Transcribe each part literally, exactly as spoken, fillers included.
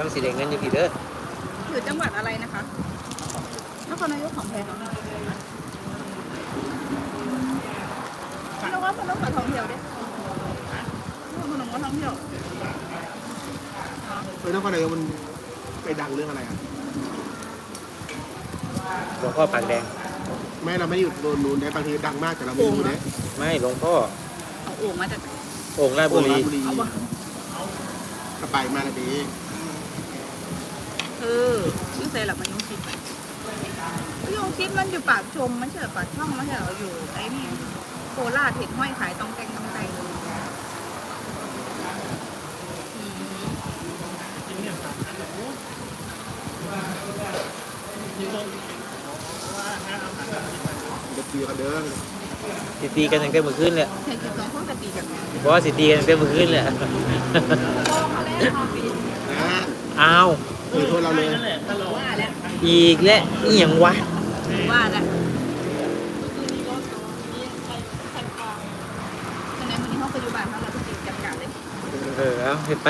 สีแดงเงินอยู่พี่เด้ออยู่จังหวัดอะไรนะคะนครนายกของแพงพี่น้องว่าพนมกับท่องเที่ยวดิพนมก็ท่องเที่ยวเออนครนายกมันไปดังเรื่องอะไรอ่ะหลวงพ่อปากแดงไม่เราไม่ได้อยู่โดนนู้นนะบางทีดังมากแต่เราไม่รู้นะไม่หลวงพ่อเอาโอ่งมาจากโอ่งราชบุรีบุรีเอาวะกระไปมาละดีเออชื่อเซลับมันยงชิดยงชิดมันอยู่ปากชมมันเฉยปากช่องมันเฉยอยู่ไอ้นี่โคราชเห็นห้อยขายตองแตงตองแตงจะตีกันเด้อสิตีกันตั้งแต่เมื่อคืนเลยเห็นคือสองพวกจะตีกันเพราะว่าสิตีกันตั้งแต่เมื่อคืนเลยนะอ้าวคือโทษเราเลยว่าแล้วอีกแล้วอีหยังวะว่าแล้วคะแนนวันนี้เขาปัจจุบันเขาเราต้องตีจับกันเลยเออเอาเห็นไป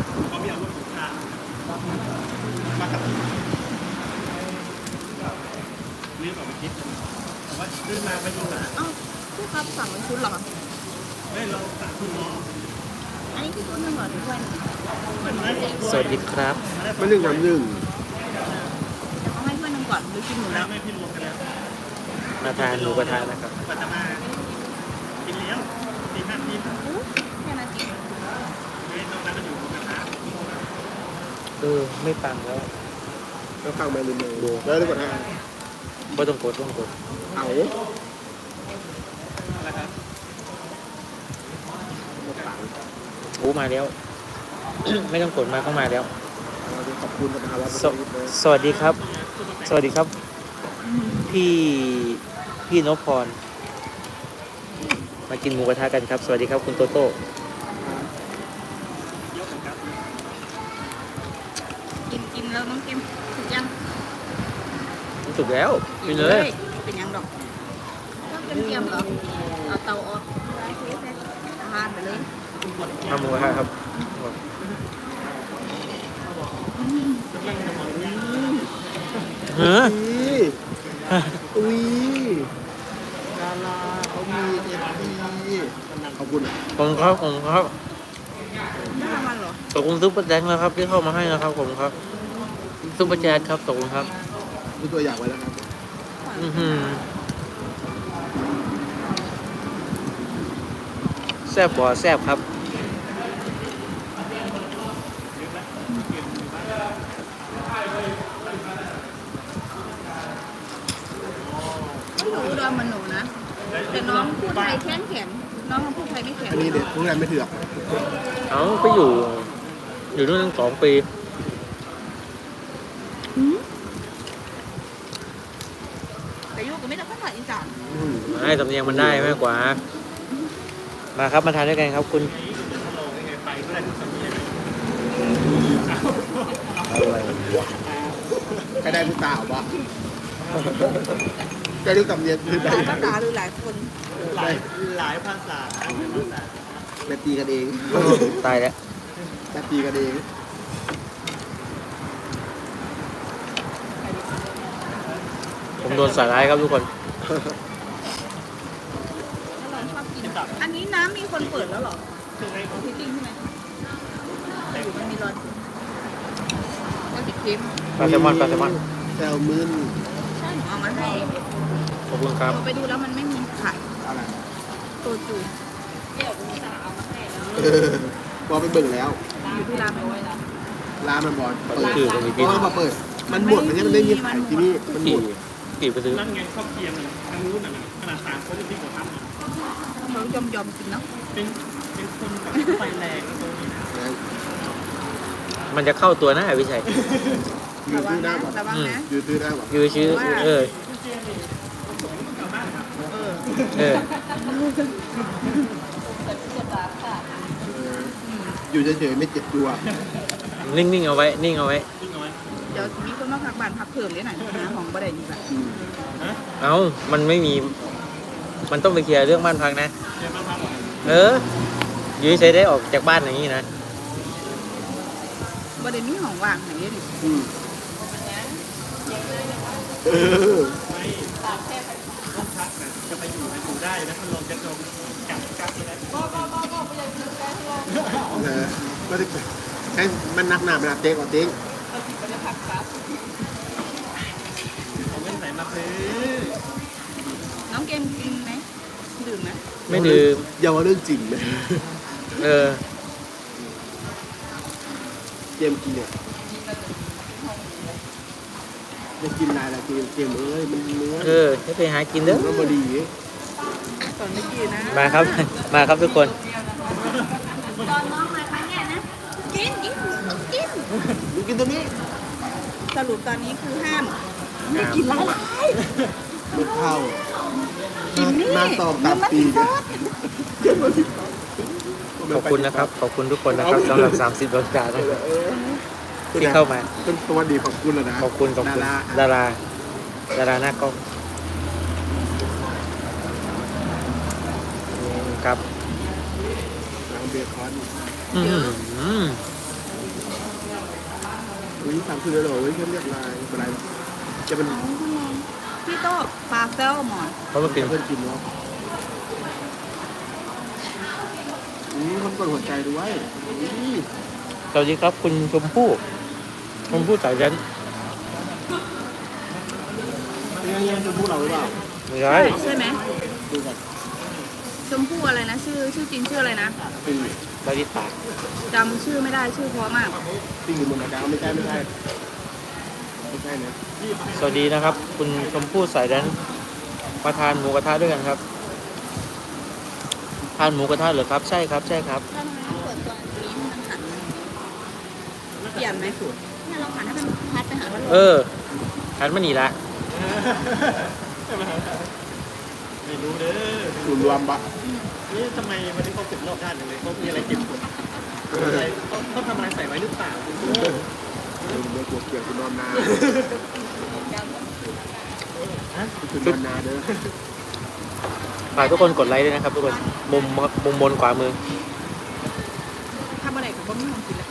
เอ้าผู้ครับสั่งเป็นชุดหรอไม่เราสั่งคุณน้องอันนี้คือชุดหนึ่งเหรอหรือว่าสวัสดีครับมันหนึ่งกับหนึ่งจะต้องให้เพื่อนนึงก่อนหรือกินหมดแล้วมาทานหมูกระทะนะครับอู้แค่นาทีเออไม่ปังแล้วแล้วฟังมาลืมเลยแล้วได้กดห้าไม่ต้องกดต้องกดเอาโอ้มาแล้ว ไม่ต้องกดมาเข้ามาแล้วขอบคุณกับฮาวาสวสวัสดีครับ สวัสดีครับ พี่พี่นพพร มากินหมูกระทะกันครับ สวัสดีครับคุณโตโต้กินกินแล้วน้องกินถูกยังถูกแล้วกินเลยเป็นยังดอกต้องเป็นเตรียมเหรอเอาเตาออกอาหารไปเลยทำหมูกระทะครับเฮ้ออุ้ยดาราเขามีเอฟพีขอบคุณอ่ะขอบคุณครับขอบคุณครับไม่ทำมันเหรอขอบคุณซุปเปอร์แดงนะครับที่เข้ามาให้นะครับขอบคุณครับซุปเปอร์แจ๊ดครับขอบคุณครับดูตัวอย่างไว้แล้วครับอือหือแซ่บบ่แซ่บครับไม่รู้เรื่องมันหนูนะแต่น้องพูดไทยแข็งแข็งน้องพูดไทยไม่แข็งอันนี้เด็กพวกนั้นไม่เถื่อนเอ้าไปอยู่ อยู่นู่นตั้งสองปีแต่ยุก็ไม่ได้ภาษาอีสานไม่สำเนียงมันได้มากกว่า มาครับมาทานด้วยกันครับคุณอะไรวะใครได้ผู้สาวปะใครรู้ตำเนียงคือหได้ลายภาษาหรือหลายคนหลายหลายภาษาแต่ตีกันเองตายแล้วแต่ตีกันเองผมโดนสายร้ายครับทุกคนน้องชอบกินอันนี้น้ำมีคนเปิดแล้วเหรอของพี่ติ้งใช่ไหมอยู่มันมีรอนก็ติดเค็มปลาแซลมอนปลาแซลมอนแซลมอนใช่หนูเอามาให้ขอบคุณครับเราไปดูแล้วมันไม่มีขายอะไรตัวจูเออพอไปเบิ่งแล้วอยู่ที่ร้านไปไว้แล้วร้านมันบอลเปิเปิดดชื่อผมอีกเพทีราะว่ามาเปิด มันหมดมันยังไม่ได้มีขายที่นี่มันหมกี่ดกี่ไปซื้อนั่นไงข้าวเคียงน่ะทางนู้นน่ะขนาดสามคนที่กว่าทำน่ะเขายอมยอมๆกินเนาะเป็นเป็นคนแบบไฟแรงนะตัวนี้นะนะมันจะเข้าตัวหน้าวิชัยยืระดวัซื้งอได้นะป่ะระวังนะยืดซื้อได้ป่ะยือชื่อเออเออเอออยู่เฉยๆไม่เจ็บตัวนิ่งๆเอาไว้ นิ่งเอาไว้ดึงเอาไว้เดี๋ยวมีคนมาพักบ้านพักเพิ่มเลยหน่อยนะของบ่ได้ดีแบบอืมเอ้า มันไม่มี มันต้องไปเคลียร์เรื่องบ้านพักนะเดี๋ยวมาทำเออ ยื้อใช้ได้ออกจากบ้านอย่างนี้นะบริเวณนี้ของว่างไหนเนี่ยอืมเออไม่ต้องพักนะจะไปอยู่ในอยู่ได้นะมันลองจะลงจับกลับไปได้เออก็ได้ใช้มันนักหนามันนักเต็กกว่าเต็กเอาเงินไหนมาซื้อน้องเกมกินไหมดื่มไหมไม่ดื่มอย่าว่าเรื่องจริงนะเออเกมกินเนี่ยจะกินอะไรล่ะเกมเกมเอ้ยมันเนื้อเออให้ไปหากินเด้อมันบดีตอนเมื่อกี้นะมาครับ มาครับทุกคนตอนน้องมาครั้งเนี้ยนะกินกินกินมึงกินตัวนี้สรุปตอนนี้คือห้ามไม่กินละลายมันเข้ากินนี่หน้าตอมตามปีซเนี่ยอสขอบคุณนะครับ ขอบคุณทุกคนนะครับสำหรับสามสิบดวงดาวนะครับที่เข้ามาเป็นตัวดีขอบคุณแล้วนะขอบคุณขอบคุณดาราดาราดาราหน้ากล้องครับนางเบคอนอืมอุ้ยสามคือเลยเหรอเว้ยเข้มเรียกลายอะไรจะเป็นพี่โต้ปลาแซลมอนเพราะมันเป็นเพื่อนกินเนาะอืมคนกดหัวใจด้วยนี่สวัสดีครับคุณชมพู่ชมพู่สายยันยังยังจะพูดเราหรือเปล่าไม่ใช่ใช่ไหมดูก่อนชมพู่อะไรนะ ชื่อชื่อจริงชื่ออะไรนะปิงบาริตาจำชื่อไม่ได้ชื่อเพราะมากปิงอยู่บนกระดาษไม่ใช่ไม่ใช่ไม่ใช่นะสวัสดีนะครับ คุณชมพู่สายยันมาทานหมูกระทะด้วยกันครับทานหมูกระทะเหรอครับใช่ครับใช่ครับแล้วทำไมต้องเปิดตัวนี้มันหันเปลี่ยนไหมเนี่ยเราหันให้เป็นพัดไปหาพัดลมเออหันมานี่ละไม่รู้เด้อศูนย์รวมปะนี่ทำไมวันนี้เขาเก็บรอบด้านเลยเขามีอะไรเก็บกดอะไรเขาเขาทำอะไรใส่ไว้หรือเปล่าเออเมื่อกลัวเกลียดคุณนอนนาคุณนอนนาเด้อฝากทุกคนกดไลค์ด้วยนะครับทุกคนมุมมุมบนขวามือทำอะไรกับบ้ามีของกินแล้ว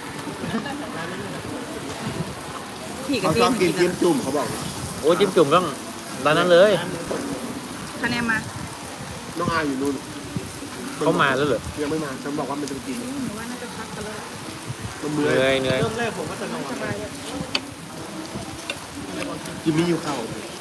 ผีกับเขาเกชอบมกินกิจิ้นมจุ่มเขาบอกโอ้จิ้มจุ่มต้องร้านนั้นเลยคะแนนมาน้องอาอยู่นู่นเขามาแล้วเหรอยังไม่มาฉันบอกว่ามันจะกินหนูว่าน่าจะพักกันแล้วมันเหเมื่นื่ออย ยเหนื่อยเริ่มแรกผมก็จะนอนสบายเลยกินมีอยู่เข่า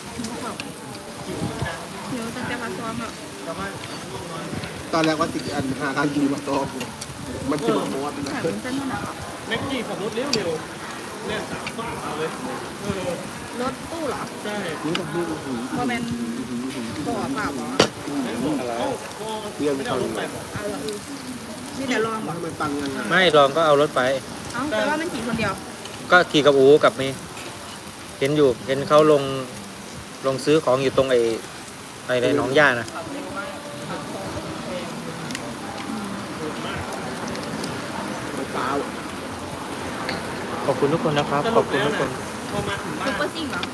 หนูตั้งแต่พักซ้อมแบบแต่ว่าตอนแรกว่าติดอันหาทางกินมาตอบมันจะมาโมดนะถ่ายเป็นเส้นนู่นน่ะแม็กกี้ขับรถเร็วเร็วเนี่ยสามต้องเอาเลยเออรถตู้เหรอใช่นี่ต้องพูดหูพอเป็นบ่อเปล่าเหรออะไรเรื่องไม่ต้องไปเอาเหรอนี่เดี๋ยวลองบอกทำไมตังยังไงไม่ลองก็เอารถไปเอ้าแต่ว่ามันขี่คนเดียวก็ขี่กับอูกับเมย์เห็นอยู่เห็นเขาลงลงซื้อของอยู่ตรงไอ้ไอ้ในหนองย่านะเปล่าขอบคุณทุกคนนะครับ ขอบคุณทุกคนพอมาถึงบ้าซุปนเปอร์ซิ่งเหรอ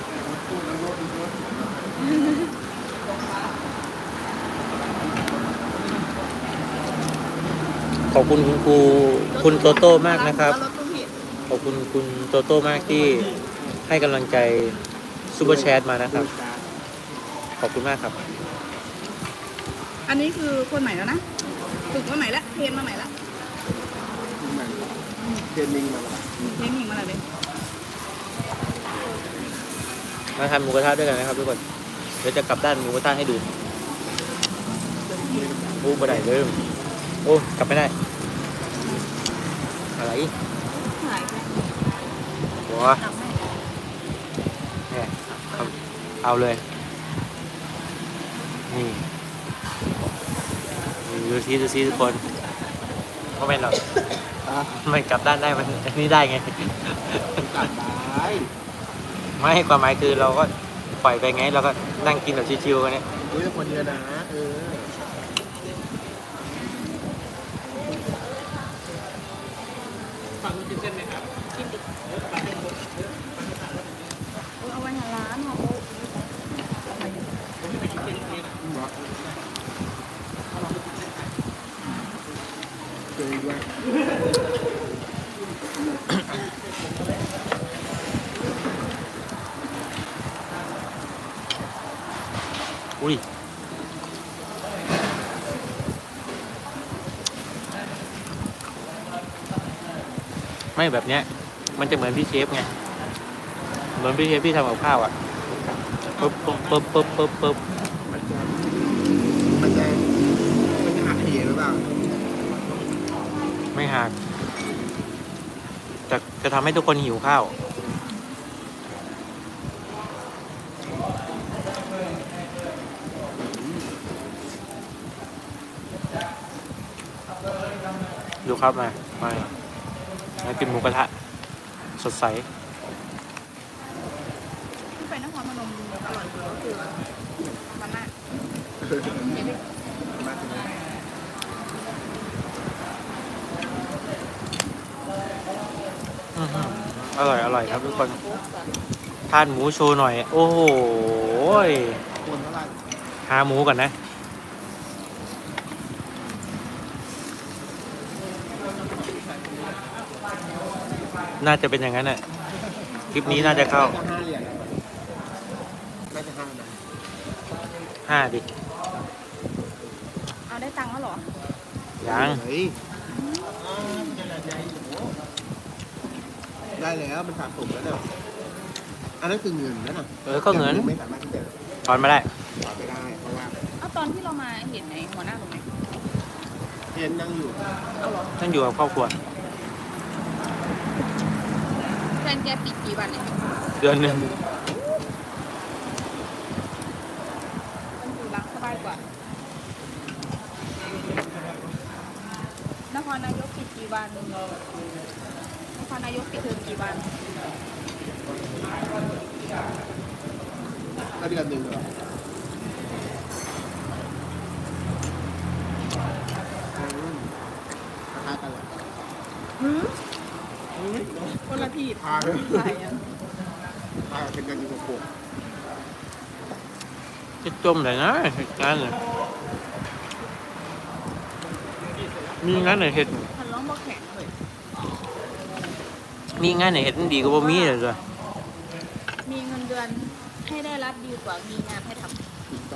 ขอบคุณคุณครูคุณโตโต้มากนะครับรถตู้ผิดขอบคุณคุณโตโต้มากที่ให้กำลังใจซูเปอร์แชทมานะครับ ขอบคุณมากครับอันนี้คือคนใหม่แล้วนะฝึกมาใหม่ละเทรนมาใหม่ละเทรนนิ่งมาแล้วเทรนนิ่งมาแล้วเลยมาทานหมูกระทะด้วยกันนะครับทุกคน เดี๋ยวจะกลับด้านหมูกระทะให้ดูโอ้บ่ได้เลยโอ้กลับไม่ได้ อะไรถ่ายไปหัวเนี่ยเอาเอาเลย นี่นี่ดูซิดูซิทุกคนก็ไม่หรอกอ่ะมันกลับด้านได้มันอันนี้ได้ไงกลับได้ไม่ความหมายคือเราก็ปล่อยไปไงเราก็นั่งกินแบบชิวๆกันเนี่ยเฮ้ยคนเดียวนะเออฝั่งนู้นกินเส้นไหมครับเอาไว้ในร้านเหรอเจอด้วยอุ้ยไม่แบบเนี้ยมันจะเหมือนพี่เชฟไงเหมือนพี่เชฟที่ทำกับข้าวอ่ะปึ๊บปึ๊บปึ๊บปึ๊บปึ๊บปึ๊บมันจะมันจะมันจะหักเหหรือเปล่าไม่หักจะจะทำให้ทุกคนหิวข้าวดูครับมามามากินหมูกระทะสดใสที่ไปนครพนมอร่อยกว่าก็คือมันน่ะเห็นไหมมาถึงอื้อหืออร่อยอร่อยครับทุกคนทานหมูโชว์หน่อย โอ้โหยคนเท่าไหร่หาหมูก่อนนะ น่าจะเป็นอย่างนั้นน่ะคลิปนี้น่าจะเข้าน่าจะห้าเหรียญน่าจะห้านะห้าดิเอาได้ตังค์แล้วเหรอยังเฮ้ยได้แล้วมันสะสมแล้วเนี่ยอันนั้นคือเงินนั่นน่ะเออก็เงินไม่สามารถที่จะถอนมาได้ถอนไม่ได้เพราะว่าเอาตอนที่เรามาเห็นในหัวหน้าตรงไหนเอ็นนั่งอยู่เอาเหรอท่านอยู่กับครอบครัวแฟนแกปิดกี่วันเนี่ยเดือนหนึ่งมันอยู่รักสบายกว่านครนายกปิดกี่วันนครนายกปิดเทอมกี่วันถ้าเดือนหนึ่งเหรออืมราคากันเหรอหืมคนละที่พาเลยใช่อะพาเป็นกันอยู่กับผมจะจมเลยนะเหตุการณ์เลยมีงานไหนเห็ดฉันร้องบอกแข็งเลยมีงานไหนเห็ดมันดีกว่าบ่มีเลยจ้ะมีเงินเดือนให้ได้รับดีกว่ามีงานให้ทำถูกต้อง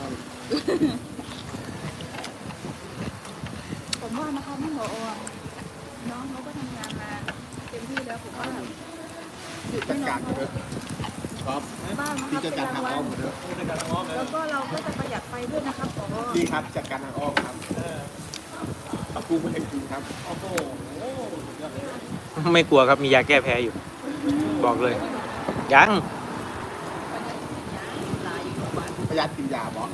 ผมว่านะคะพี่หมออน้องเขาก็ทำงานมาเต็มที่แล้วผมว่าหยุดจัให้ดน้อกาง รเขาเถอะครับบ้างนะคพี่รับจัดเป็นการรางทางวัอ้อมลหมดเถอะแล้วก็เราก็จะประหยัดไฟด้วยนะครับผอพี่ครับจัดการทางอ้อมครับปรับปรุงประเทศจริงครับโอ้โหไม่กลัวครับมียาแก้แพ้อยู่ บอกเลย ยังหลายอยู่ทุกวันประหยัดกินยาบอก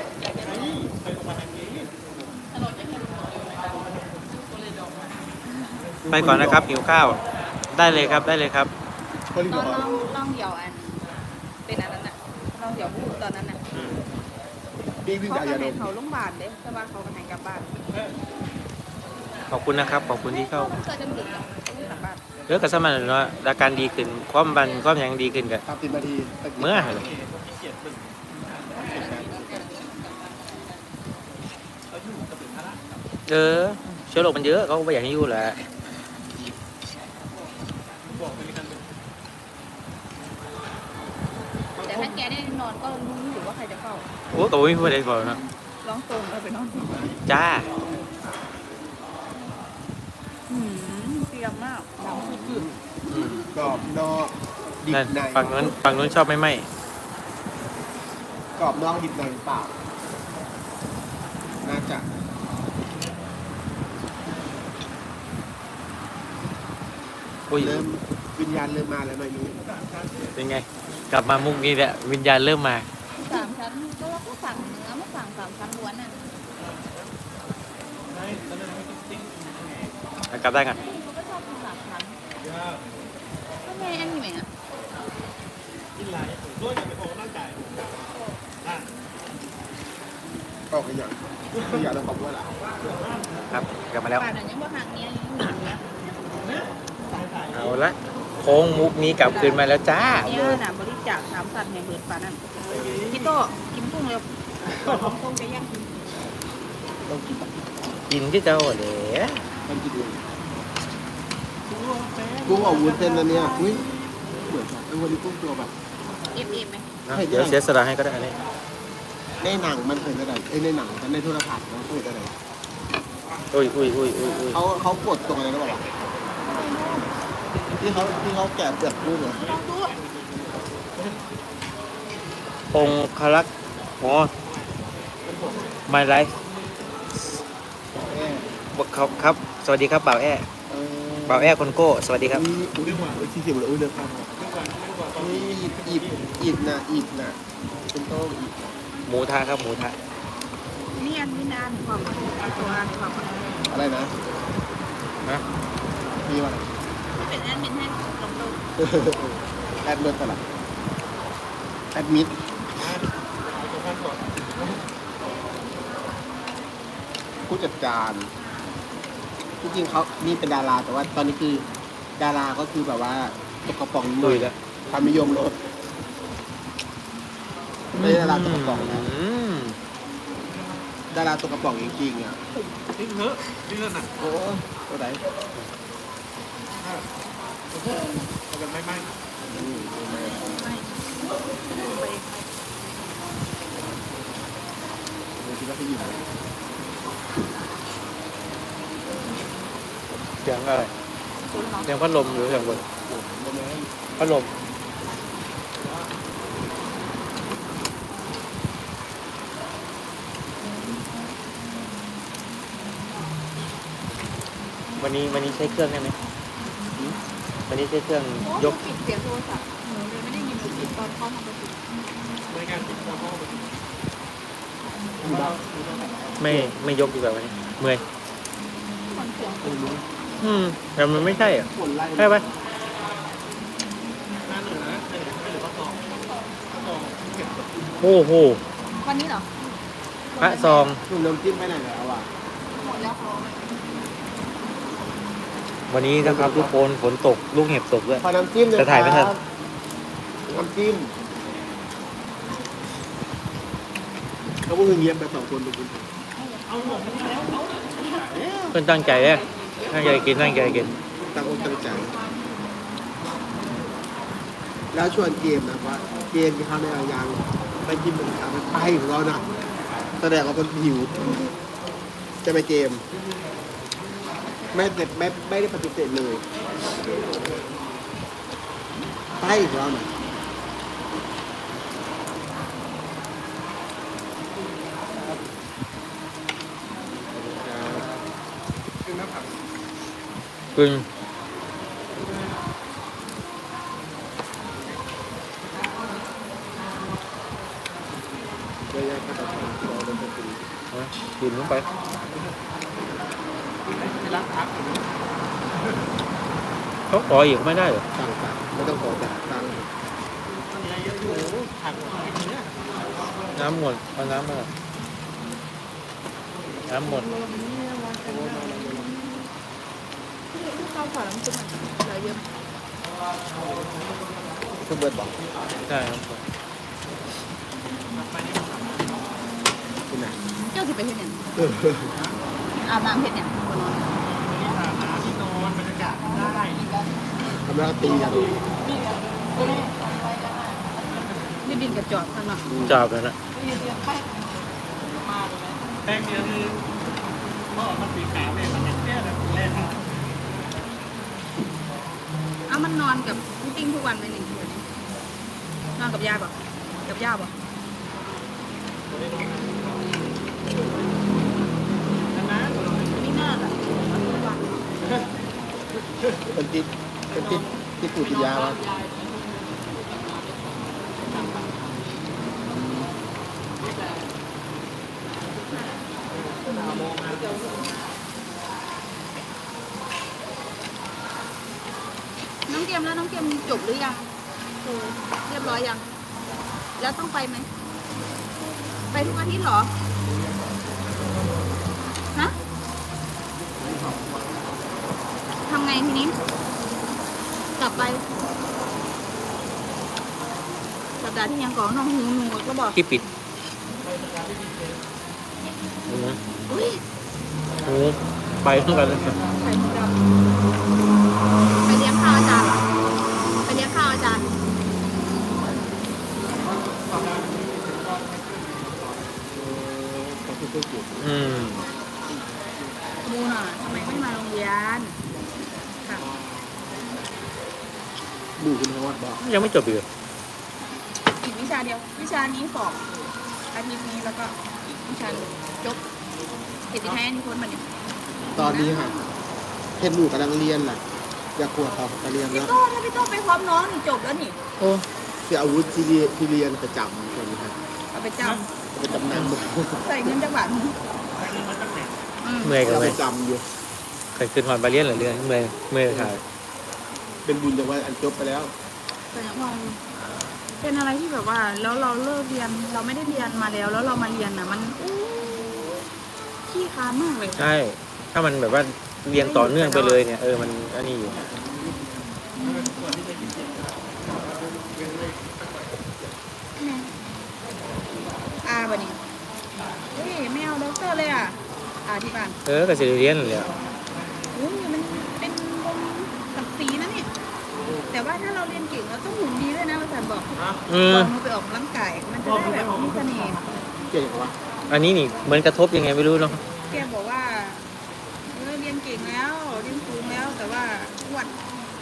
ไปก่อนนะครับหิวข้าว ได้เลยครับได้เลยครับคนที่ตบออน กลองลองเดี่ยวอัน เป็นอันนั้นน่ะลองเดี่ยวพูดตอนนั้นน่ะพี่วิ่งเขาจากกยาระดหายมเขาโรงพยาบาลเด้แต่ว่าเขากระหายกลับบ้านขอบคุณนะครับขอบคุณที่เข้าเกิดจำดึกอ่ะเขาไม่กลับบ้านเลือกกับสมันเนาะอาการดีขึ้นความบันความหยังดีขึ้นกันสามสิบนาทีเมื่อเลยเออเชื้อโรคมันเยอะเขาก็ไม่อยากให้อยู่แหละแต่ถ้าแกได้นอนก็รู้อยู่ว่าใครจะเฝ้าโอ้ตัวไม่พูดอะไรก่อนนะร้องตรงแล้วไปนอนจ้าหืมเตรียมมากดำขึ้นอืมกรอบนอกดิบนั่นในฝั่งนู้นฝั่งนู้นชอบไม่ไหมกรอบนอกดิบในเปล่าน่าจะอุ้ยเริ่มวิญญาณเริ่มมาแล้วหน่อยนึงเป็นไง กลับมามุกนี้แหละวิญญาณเริ่มมาสามชั้นก็เราก็สั่งเนื้อไม่สั่งสามชั้นล้วนอ่ะกลับได้กันเขาก็ชอบกินสามชั้นทำไมอันนี้ไหมอ่ะออกกันอย่างไม่อยากเราขอบว่าหล่ะครับ กลับมาแล้วป่านนั้นยังว่าทางเนี้ยยังอยู่นะเอาละโค้งมุกนี้กลับคืนมาแล้วจ้าเนี่ยน่ะบริจาคสามสัตว์ในเบิร์ดป่านนั้นพี่โตกินกุ้งเร็วของกุ้งจะย่างกินกินที่เจ้าเดี๋ยวมันกินดูกุ้งออกวุ้นเส้นนะเนี่ยอุ้ยเหมือนกันไอ้วันนี้กุ้งตัวแบบเอฟเอฟไหมเดี๋ยวเสียสละให้ก็ได้อันนี้ในหนังมันเคยอะไรเอ้ยในหนังในโทรทัศน์มันเคยอะไรอุ้ยอุ้ยอุ้ยอุ้ยอุ้ยเขาเขากดตรงอะไรนะบอกว่าที่เขาที่เขาแกะเปลือกรูปเหรอลองดูองคลักษ์อ๋อ My Life แม่ครับครับ สวัสดีครับบ่าวแอ้เออบ่าวแอ้คนโก้ สวัสดีครับอุ้ยอุ้ยอุ้ยที่เขียนเลยอุ้ยเดือดฟังอุ้ยอีบอีบอีบนะอีบนะเป็นโต้อีบหมูทะครับหมูทะนี่อันนี้นานความตัวอ่านความอะไรนะนะมีว่าเป็นแอดมินให้ลองดูแอดมิดอะไรแอดมิดผู้จัดการจริงๆเขานี่เป็นดาราแต่ว่าตอนนี้คือดาราก็คือแบบว่าตกกระป๋องนิดหน่ลุอยยแล้วความนิยมลดไม่ใช่ดาราตกกระป๋องนะอืมดาราตกกระป๋องจริงๆอ่ะทิ้งเถอะทิ้งเถอะน่ะโอ้ตัวไหนเอากันไม่ไม่อืมไม่ไปไม่คิดว่าเขาอยู่ไหนเสียงอะไรคุณเนาะเสียงพัดลมหรือเสียงบนโมเมนต์พัดลมวันนี้วันนี้ใช้เครื่องได้ไหมวันนี้ใช้เครื่องยยกกปิดเสียงโทรศัพท์หนูเลยไม่ได้ยินหนูปิดตอนเข้าทำประตูบริการติดต่อเข้าไปอยู่บ้านไม่ไม่ยกดีกว่าวันนี้เมื่อยคนเสียงไม่รู้อืมแต่มันไม่ใช่อ่ะฝนไล่ใช่ปะหน้าหนึ่งนะหนึ่งไม่หรือว่าสองสองเก็บโอ้โหวันนี้เหรอพระซองหนุ่มน้ำจิ้มไปไหนแล้วอ่ะหมดแล้ววันนี้นะครับทุกคนฝนตกลูกเห็บตกด้วยขอน้ำจิ้มหน่อยจะถ่ายไม่ทันครับน้ำจิ้มเขาพูดเงียบไปสองคนดูคุณเพื่อนตั้งใจเลยตั้งใจกินตั้งใจกินตั้งอกตั้งใจ แล้วชวนเกมนะว่าเกมที่เขาในเอายางไปกินหมูกระทะมันไปของเราน่ะแสดงว่ามันหิว จะไปเกม ไม่เด็ไม่ไม่ได้ปฏิเสธเลยไปของเราน่ะคือหน้าผักกินเยอะแยะก็ต้องรอเป็นปกตินะกินลงไปที่รักพักเขาขออีกไม่ได้เหรอสั่งสั่งไม่ต้องขอแต่สั่งมีอะไรเยอะอยู่ผักกินเนี้ยน้ำหมดเอาน้ำมาก่อนน้ำหมดเข้าขอน้ำจิ้มเหลือเยอะเครื่องเบิร์ดบอกได้ครับคุณไหนเจ้าสิไปเห็นเนี่ยเอออาบน้ำเห็นเนี่ยคนนอนมีอาบน้ำที่นอนบรรยากาศได้ทำแล้วตีกันนี่ดินกระจอกข้างนอกจอบแล้วนะแป้งเดียวคือก็มันสีขาวเนี่ยมันแค่แบบแรกอ้ามันนอนกับพี่ติ้งทุกวันไหมหนึ่งคืนนอนกับยายป่ะกับย่าป่ะนะไม่น่าอ่ะเป็นติดเป็นติดที่ปูติยาวะน้องเกมแล้วน้องเกมจบหรือยังโอ้เรียบร้อยยัง แล้วต้องไปไหม ไปทุกอาทิตย์เหรอ ฮะทำไงทีนี้ กลับไปสัปดาห์ที่ยังก่อนน้องหูหนูก็บอกที่ปิดหูอุ้ยหูไปเหมือนกันเลยไข่ดำไปเลี้ยงข้าวอาจารย์เหรอไปเลี้ยงข้าวอาจารย์ก็เก่งอืมมูน่ะทำไมไม่มาโรงเรียนค่ะบูคุณฮอดบอกยังไม่จบอีกเหรออีกวิชาเดียว วิชานี้สอบอาทิตย์นี้แล้วก็อีกวิชาหนึ่งจบเกียรติแท้นี่พ้นมาเนี่ยตอนนี้ค่ะเพชรหมูกำลังเรียนแหละอยากขวดเขาไปเรียนพี่แล้วโต้ถ้าพี่โต้ไปพร้อมน้องนี่จบแล้วนี่โอ้เสียอาวุธที่เรียนที่เรียนประจำคนนี้ครับเอาไปจไปจำนำำใส่เงินจังหวัดอืมเมื่อยกันเราไหมไปจำอยู่เคยขึ้นหอนบาเลียนเหรือเรื่องเมื่อยเมื่อยค่ะเป็นบุญจากว่าอันจบไปแล้วแต่ยังมองเป็นอะไรที่แบบว่า แล้วเราเลิกเรียนเราไม่ได้เรียนมาแล้ว แล้วเรามาเรียนอ่ะ มันอู้ขี้ค้านมากเลยใช่ ถ้ามันแบบว่าเรียงต่อเนื่องไปเลยเนี่ยเออมันอันนี้อยู่แม่อาบะนี่เฮ้ยไม่เอาด็อกเตอร์เลยอ่ะอาที่บ้านเออก็จะเรียนเลยอะอุ้ยมันเป็นวงศักดิ์ศรีนะเนี่ยแต่ว่าถ้าเราเรียนเก่งเราต้องหุ่นดีด้วยนะอาจารย์บอกอืก่มอนเราไปออกกำลังกายมันจะได้แบบมีเสน่ห์เก่งวะอันนี้นี่เหมือนกระทบยังไงไม่รู้เนาะแกบอกว่าเออเรียนเก่งแล้วเรียนสูงแล้วแต่ว่าอ้วน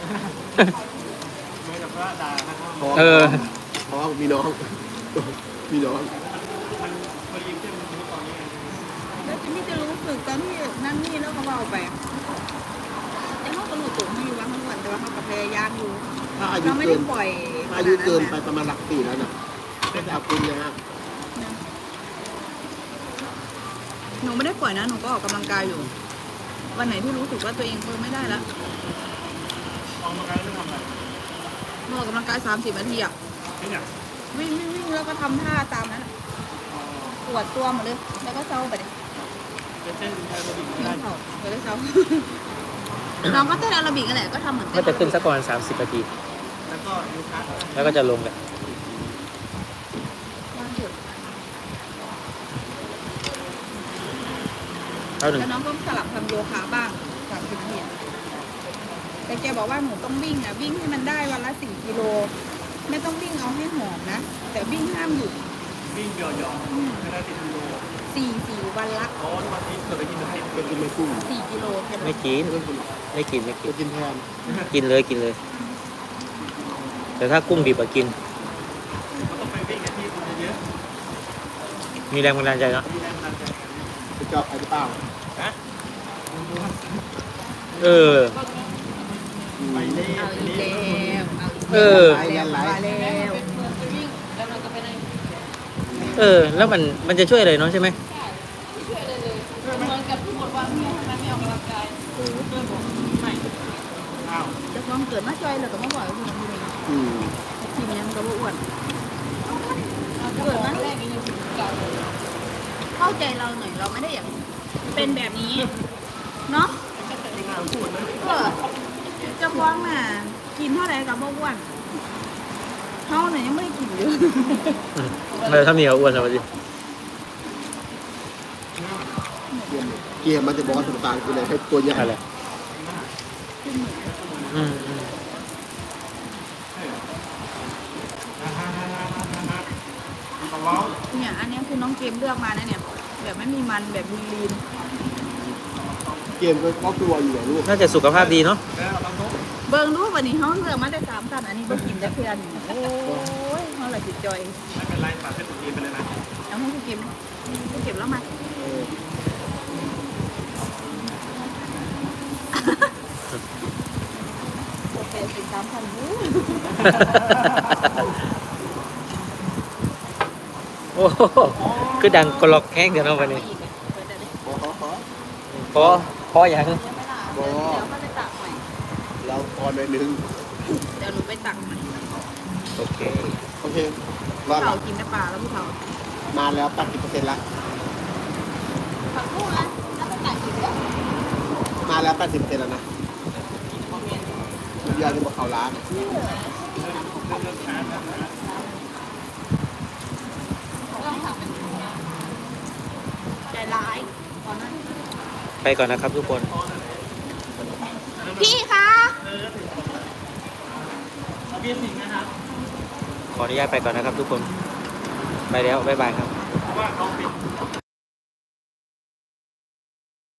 ไม่แต่ว่าด่านะครับท้องเออท้องมีน้อง มีน้องมันพอยิงขึ้นตอนนี้แล้วจิมมี่จะรู้สึกตอนที่นั่นนี่แล้วเขาเอาไปแต่เขาก็รู้ตัวไม่อยู่ว่าเขาอ้วนแต่ว่าเขาก็พยายามอยู่ถ้าอายุเราไม่เกิได้นปล่อยถ้าอายุเกินไปประมาณหลักสี่แล้วนะก็จะเอาคุณนะฮะนะหนูไม่ได้ปล่อยนะหนูก็ออกกำลังกายอยู่ วันไหนที่รู้สึกว่าตัวเองเพิ่มไม่ได้แล้วออกมาการไม่ทำอะไรหนูออกกำลังกายสามสิบนาทีอะไม่อยากวิ่งวิ่งวิ่งแล้วก็ทำท่าตามนั้นอะปวดตัวหมดเลย แล้วก็เศร้าไปเลยจะเต้นแอโรบิกเดี๋ได้ยวเศร้าเดี๋ยวเศร้า น้องก็เต้นแอโรบิกนั่นแหละก็ทำเหมือนเต้ก็นจะขึ้นสักประมาณสามสิบนาทีแล้วก็ยูคัสแล้วก็จะลงกันว่างเถอะเท่าหนึ่งแล้วน้องก็สลับทำโยคะบ้างสามสิบนาทีอะแต่แกบอกว่าหนูต้องวิ่งอ่ะวิ่งให้มันได้วันละสี่กิโล ไม่ต้องวิ่งเอาให้หอมนะ แต่วิ่งห้ามหยุดวิ่งเดียวๆไม่ได้ติดกิโลสี่สี่วันละอ๋อวันนี้เกิดอะไรกินเป็นเป็นกินไม่กุ้งสี่กิโลแค่ไม่นั้นกินไม่ต้องกินหรอกไม่กินไม่กิจะนกินแทนกินเลยกินเลย แต่ถ้ากุ้งดิบอะกินมันต้องไปวิ่งในที่คนเยอะมีแรงบันดาลใจเนาะๆมีแรงบันดาลใจจะเจาะใครหรือเปล่านะเอออืมไปเล่เอาไปอีกเล่แล้วเอาอีกเอแล้วอมาแล้วเออ แล้วมันมันจะช่วยอะไรเนาะใช่ไหมอ้าวจะฟ้องเกิดมาจอยแล้วก็มาบ่อยว่าคุณพี่อืมทีมยังก็บ่อ้วนเกิดมาเข้าใจเราหน่อยเราไม่ได้อยากเป็นแบบนี้เนาะไม่น่าพูดนะเออจะฟ้องน่ะกินเท่าไหร่กับบ่อ้วนเขาเนี่ยยังไม่ได้กินอยู่อืมเลยถ้ามีเอาอ้วนเอาไปดิเกมเกมมันจะบอกว่าสมตาลคืออะไรให้ตัวใหญ่อะไรอืมอืมตะว้าวเนี่ยอันเนี้ยคือน้องเกมเลือกมานะเนี่ยแบบไม่มีมันแบบลีนเกมก็ครอบครัวอยู่เหรอลูกน่าจะสุขภาพดีเนาะแล้วเราต้องๆเบิ่งรูปวันนี้เขาเลือกมาได้สามสันอันนี้บ่กินได้เพื่อนโอ้ยเขาละจิตจอยไม่เป็นไรฝากให้ตัวเองไปเลยนะเอาให้คุณเกมคุณเกมแล้วมาเออโอเคสิบสามพันยูโอ้โหคือดังกรอกแห้งเดี๋ยวเนาะวันนี้อีกอะเปิดได้เลยขอขอขอพอพออย่างเดี๋ยวไม่ล่ะเดี๋ยวเดี๋ยวเขาไปตักใหม่เราพอหน่อยนึงเดี๋ยวหนูไปตักใหม่โอเคโอเครผู้อดเฒ่าละกินได้ปลาแล้วผู้เฒ่ามาแล้วแปดสิบเปอร์เซ็นต์ละผักบุ้งอ่ะแล้วไปตักอีกแล้วมาแล้วแปดสิบเปอร์เซ็นต์แล้วนะยาจะบอกเขาร้านใจร้ายตอนนั้นไปก่อนนะครับทุกคนพี่คะเบียร์สิงห์นะครับขออนุญาตไปก่อนนะครับทุกคน ไปแล้ว บ๊ายบายครับเพราะว่าเขาเป็น